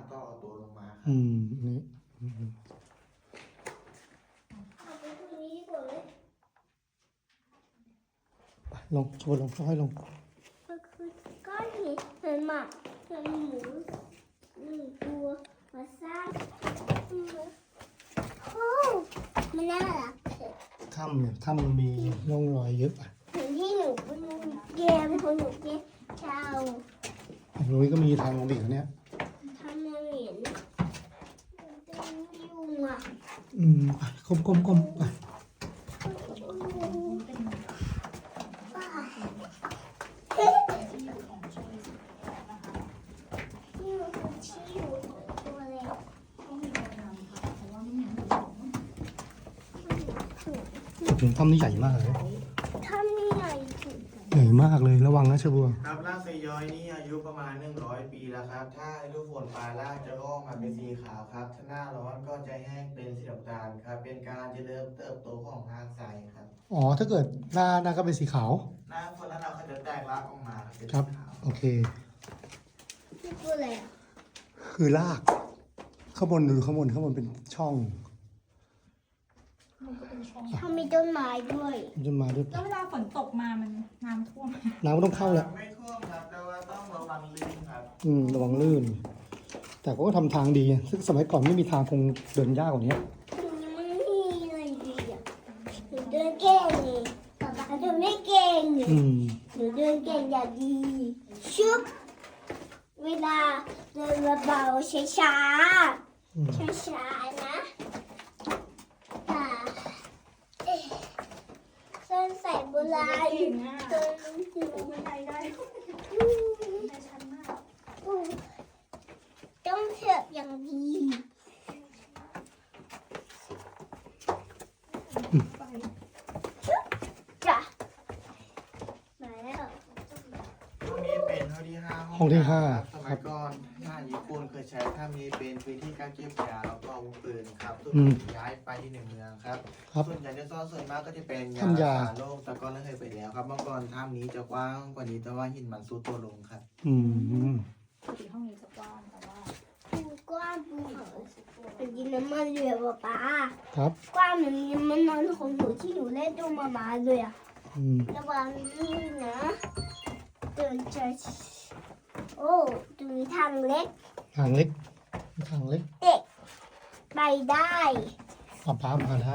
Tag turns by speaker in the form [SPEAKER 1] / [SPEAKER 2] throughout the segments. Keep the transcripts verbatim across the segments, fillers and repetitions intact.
[SPEAKER 1] ก็เอาตัวลงมาครับ
[SPEAKER 2] อืมนี่อืม
[SPEAKER 3] เอาไปตรงนี้ดีกว่าเลย
[SPEAKER 2] ไปลงชวนลงค่อยๆลง
[SPEAKER 3] ก็คือก้อนหินเหมือนหมาเหมือนหมูหนึ่งตัวมาสร้างโอ้มันน่ารักเถอะ
[SPEAKER 2] ถ้ำเนี่ยถ้ำมันมีร่องรอยเยอะอ่ะ
[SPEAKER 3] เหมือนที่หนูเป็นเกมของหนูเกมเช้า
[SPEAKER 2] ตรงนี้ก็มีทางลงไปอีกแล้วเนี่ย
[SPEAKER 3] ทำมาเหม็นเป็นยุงอ่ะ
[SPEAKER 2] อืมไปก้มก้มก้มไป
[SPEAKER 3] ที่มันคือที่อยู่ตัวเล็ก
[SPEAKER 2] ถึงถ้ำนี่ใหญ่มากเลย
[SPEAKER 3] ทำนี่ใหญ่สุด
[SPEAKER 2] ใหญ่มากเลยระวังนะเชอบัว
[SPEAKER 1] ครับรากไซย้อยนี่อายุประมาณหนึ่งร้อยปีแล้วครับ ถ้าฤดูฝนปลายรากจะงอกมาเป็นสีขาวครับ ถ้าหน้าร้อนก็จะแห้งเป็นสีน้ำตาลครับ เป็นการเจริญเติบโตของรากไซครับ
[SPEAKER 2] อ๋อถ้าเกิดหน้าหน้าก็เป็นสีขาว
[SPEAKER 1] หน้าฝนแล้วเราก็จะแตกรากออกมาครับเป็น
[SPEAKER 2] ครับ
[SPEAKER 1] สีขาว
[SPEAKER 2] โอเค
[SPEAKER 3] ที่ตัวอะไรอ่ะ
[SPEAKER 2] คือรากข้างบนดูข้างบนข้างบนเป็นช่อง
[SPEAKER 4] มันก็เป็นช่อง
[SPEAKER 3] ทำมีต้นไม้ด้วย
[SPEAKER 2] มันจะมาด้วย
[SPEAKER 4] แล้วเวลาฝนตกมามันน้ำท่วม
[SPEAKER 2] น้ำก็ต้องเข้าแล้ว
[SPEAKER 1] ไม่ท่วมครับ แต่ว่าต้องระวังลื่นครับ
[SPEAKER 2] อืมระวังลื่น แต่ก็ทำทางดีซึ่งสมัยก่อนไม่มีทางคงเดินยากกว่านี้
[SPEAKER 3] มันไม่มีอะไรดีอ่ะหนูเดินเก่งเลยป๊าป๊าเดินไม่เก่งเลย
[SPEAKER 2] อืม
[SPEAKER 3] หนูเดินเก่งอย่างดี ชุบ เวลาเดินเบาๆช้า
[SPEAKER 2] อืม
[SPEAKER 3] ๆช้าๆนะอ่าเอ๊ะส้นใส่โบราณ
[SPEAKER 4] เก่งอ่ะ
[SPEAKER 3] เดินหนู
[SPEAKER 4] บันไดได้
[SPEAKER 3] อืม
[SPEAKER 4] ได้ชันมาก
[SPEAKER 3] อืมต้องเถือกอย่างดี
[SPEAKER 4] ไป
[SPEAKER 3] จ้ะมาแล้ว
[SPEAKER 1] ห้องนี้เป็นห้องที่ห้า
[SPEAKER 2] ห้องที่ห้า
[SPEAKER 1] ครับสมัยก่อนทหารญี่ปุ่นเคยใช้ถ้ำนี้เป็นพื้นที่การเก็บยาแล้วก็อาวุธปืนครับส่วน
[SPEAKER 2] อืม
[SPEAKER 1] ย้ายไปที่หนึ่งเมืองครับ
[SPEAKER 2] ครับ
[SPEAKER 1] ส่วนใหญ่จะซ่อนส่วนมากก็จะเป็นยา
[SPEAKER 2] ถ้ำยา
[SPEAKER 1] รักษาโรคแต่ก็เลิกเคยไปแล้วครับเมื่อก่อนถ้ำนี้จะกว้างกว่านี้แต่ว่าหินมันซุดตัวลงครับ
[SPEAKER 2] อืม
[SPEAKER 4] ปกติห้องนี้จะกว้างแต่ว่า
[SPEAKER 3] มันกว้างปูมันกินน้ำมันเรือป่ะป๊า
[SPEAKER 2] ครับ
[SPEAKER 3] กว้างเหมือนน้ำมันนอนของหนูที่หนูเล่นตัวมามาเลยอะ
[SPEAKER 2] อืม
[SPEAKER 3] ระวังลื่นนะเดินจะโอ้ตรงนี้ทางเล็ก
[SPEAKER 2] ทางเล็กทางเล็ก
[SPEAKER 3] เด็กไปได้
[SPEAKER 2] ป้าป้ามาได้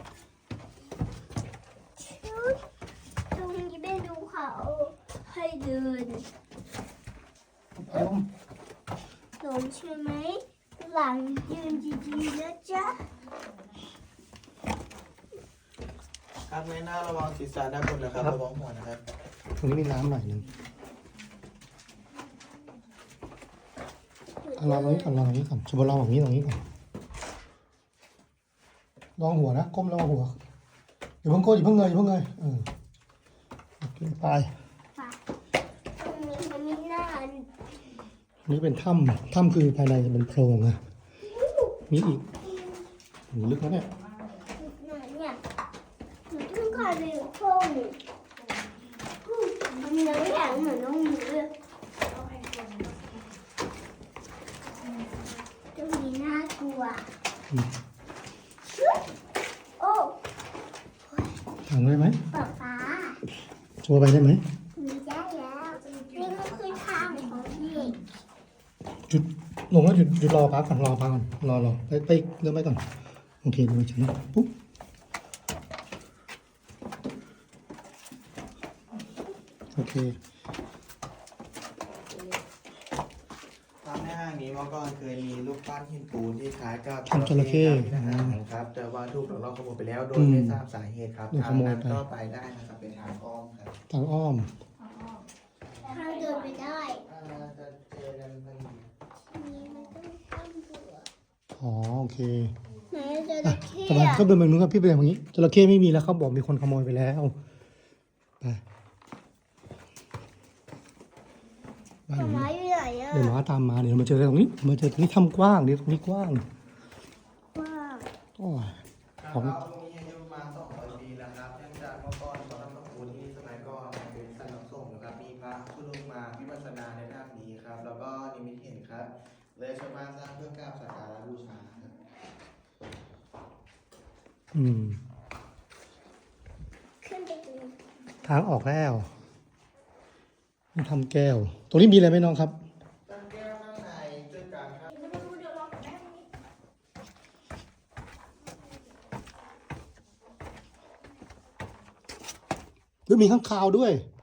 [SPEAKER 3] ชุดตรงนี้เป็นดูเขาให้เดิน
[SPEAKER 2] ลม
[SPEAKER 3] ลงใช่ไหมหลังยืนดีๆนะจ๊ะ
[SPEAKER 1] ครับในหน้าระวังศีรษะด้านบนนะครับระวังหัวนะครับ
[SPEAKER 2] ตรงนี้มีน้ำหน่อยหนึ่งเอาลองตรงนี้ก่อนลองตรงนี้ก่อนชมลองตรงนี้ตรงนี้ก่อนลองหัวนะก้มลองหัวอย่าเพิ่งโก้อย่าเพิ่งเงยอย่าเพิ่งเงยเออโอเคไป
[SPEAKER 3] ค่ะตรงนี้มันมีหน้า
[SPEAKER 2] อันนี้เป็นถ้ำถ้ำคือภายในจะเป็นโพรงอะมีอีกโหลึกนะเนี่ย
[SPEAKER 3] หน้าเนี่ยหนูต้องการไปอยู่ห้องมีน้ำแข็งเหมือนน้องหมูเลยตรงนี้น่ากลัว
[SPEAKER 2] อืม
[SPEAKER 3] โอ้
[SPEAKER 2] ทางได้ไหม
[SPEAKER 3] ป๊าป๊า
[SPEAKER 2] โชว์ไปได้ไหม
[SPEAKER 3] มีได้แล้วนี่มันคือทางของเด็ก
[SPEAKER 2] จุดลงแล้วหยุดหยุดรอพักก่อนรอพักก่อนรอรอไปไปเริ่มไปก่อนโอเคดูฉันนะปุ๊บโอเค
[SPEAKER 1] ตามในห้างนี้เมื่อก่อนเคยมีรูปปั้นหินปูนที่คล้ายกับ
[SPEAKER 2] ทำจระเข้
[SPEAKER 1] กับทหารครับ แต่ว่าถูกหลอกล่อขโมยไปแล้วโดยไม่ทราบสาเหตุครับ
[SPEAKER 2] โดน
[SPEAKER 1] ทา
[SPEAKER 2] ข
[SPEAKER 1] ง
[SPEAKER 2] โมย
[SPEAKER 1] นั้น
[SPEAKER 2] ไป
[SPEAKER 1] ก็ไปได้นะครับเป็นทางอ้อมครับ
[SPEAKER 2] ทางอ้อม
[SPEAKER 3] ทางเดินไปได้
[SPEAKER 1] อ่าจะเจอกันพอดี
[SPEAKER 3] นี่มันต้องข้ามเบื่อ
[SPEAKER 2] อ๋อโอเค
[SPEAKER 3] ไหนจ
[SPEAKER 2] อ่ะ
[SPEAKER 3] ระเข้
[SPEAKER 2] ทำไม
[SPEAKER 3] อะ
[SPEAKER 2] ก็เดินไปนู้นครับพี่ไปอย่างนี้จระเข้ไม่มีแล้วเขาบอกมีคนขโมยไปแล้วไปบ้าน
[SPEAKER 3] ห
[SPEAKER 2] ห
[SPEAKER 3] มา
[SPEAKER 2] ลัง
[SPEAKER 3] ม้า
[SPEAKER 2] นี้
[SPEAKER 3] อยู่ไหนอะ
[SPEAKER 2] เดี๋ยวหมาตามมาเดี๋ยวมาเจอกันตรงนี้มาเจอตรงนี้ถ้ำกว้างเดี๋ยวตรงนี้กว้าง
[SPEAKER 3] ว่า
[SPEAKER 2] โอ้ย
[SPEAKER 1] ครับ
[SPEAKER 2] ของ
[SPEAKER 1] ตรงนี้อายุประมาณสองร้อยปีแล้วครับเนื่องจากเมื่อก่อนวัดน้ำพุที่สมัยก่อนเป็นสำนักสงฆ์นะครับมีพระผู้ลงมาวิปัสสนาในด้านนี้ครับ แล้วก็นิมิตเห็นครับเลยชาวบ้านสร้างเพื่อกราบสักการะบูชาครับ
[SPEAKER 2] อืม
[SPEAKER 3] ขึ้นไปดู
[SPEAKER 2] ทางออกแล้วนี่ทำแก้ว ตรงนี้มีอะไรไหมน้องครับ
[SPEAKER 1] ตั้งแก้วข้างในด้วยกันครับ
[SPEAKER 4] เดี๋ยวมาดูเดี๋ยวรอกับแม่ตรงนี้
[SPEAKER 2] หรือมีข้างคาวด้วย
[SPEAKER 3] ใ